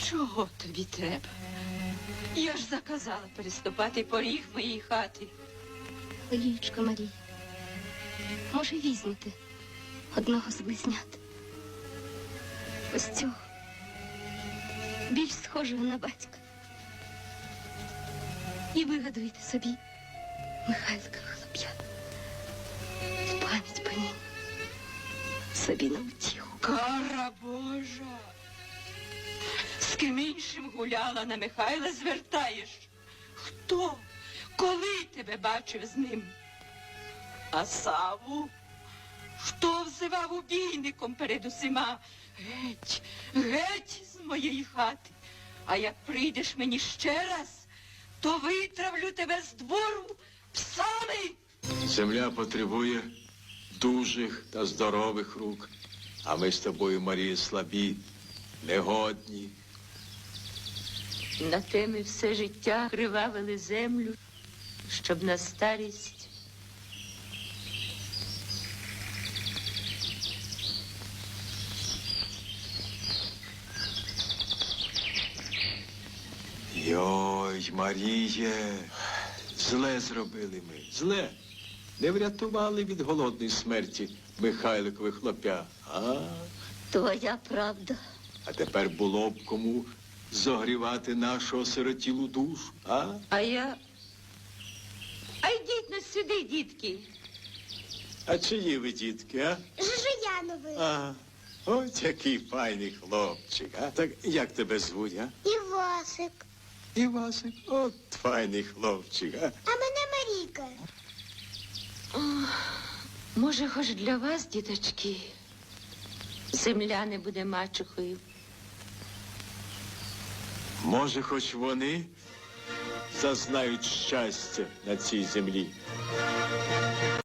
Чого тобі треба? Я ж заказала переступати поріг моєї хати. Олієчко Марія, може, візьмете одного з близнят? Ось цього, більш схожого на батька. І вигадуйте собі Михайлика хлоп'ята. В пам'ять по ній. Собі на утіху. Кара Божа! З ким іншим гуляла, на Михайла звертаєш? Хто? Коли тебе бачив з ним? А Саву? Хто взивав убійником перед усіма? Геть, геть з моєї хати. А як прийдеш мені ще раз, то витравлю тебе з двору псами. Земля потребує дужих та здорових рук. А ми з тобою, Марія, слабі, негодні. На те ми все життя кривавили землю, щоб на старість Йой, Маріє, зле зробили ми, зле. Не врятували від голодної смерті Михайликових хлоп'я. Твоя правда. А тепер було б кому зогрівати нашу осиротілу душу, а? А йдіть на сюди, дітки. А чиї ви, дітки, а? Жижияновий. А, ось який файний хлопчик, а? Так як тебе звуть, а? Івасик. Івасик, от файний хлопчик, а? А мене Марійка. Може, хоч для вас, діточки, земля не буде мачухою. Може, хоч вони зазнають щастя на цій землі.